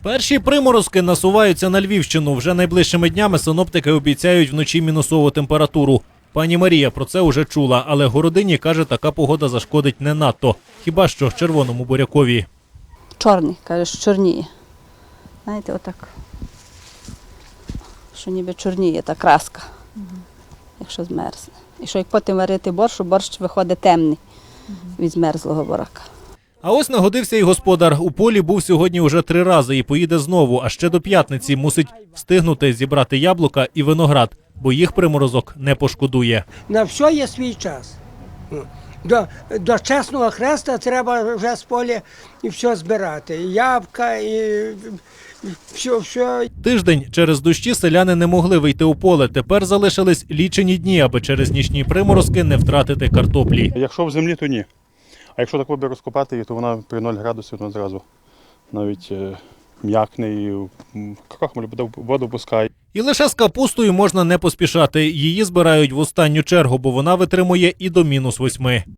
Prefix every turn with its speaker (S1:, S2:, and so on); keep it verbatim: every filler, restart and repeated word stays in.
S1: Перші приморозки насуваються на Львівщину. Вже найближчими днями синоптики обіцяють вночі мінусову температуру. Пані Марія про це уже чула, але Городині каже, така погода зашкодить не надто. Хіба що червоному бурякові.
S2: Чорний, каже, що чорніє. Знаєте, отак. Що ніби чорніє та краска, угу. Якщо змерзне. І що як потім варити борщ, борщ виходить темний угу. від змерзлого бурака.
S1: А ось нагодився і господар. У полі був сьогодні вже три рази і поїде знову. А ще до п'ятниці мусить встигнути зібрати яблука і виноград, бо їх приморозок не пошкодує.
S3: На все є свій час. До, до чесного хреста треба вже з поля і все збирати. І ябка, і все, все.
S1: Тиждень через дощі селяни не могли вийти у поле. Тепер залишились лічені дні, аби через нічні приморозки не втратити картоплі.
S4: Якщо в землі, то ні. А якщо так би розкопати її, то вона при нуль градусів вона зразу навіть е, м'якне і крохмаль воду пускає.
S1: І лише з капустою можна не поспішати. Її збирають в останню чергу, бо вона витримує і до мінус восьми.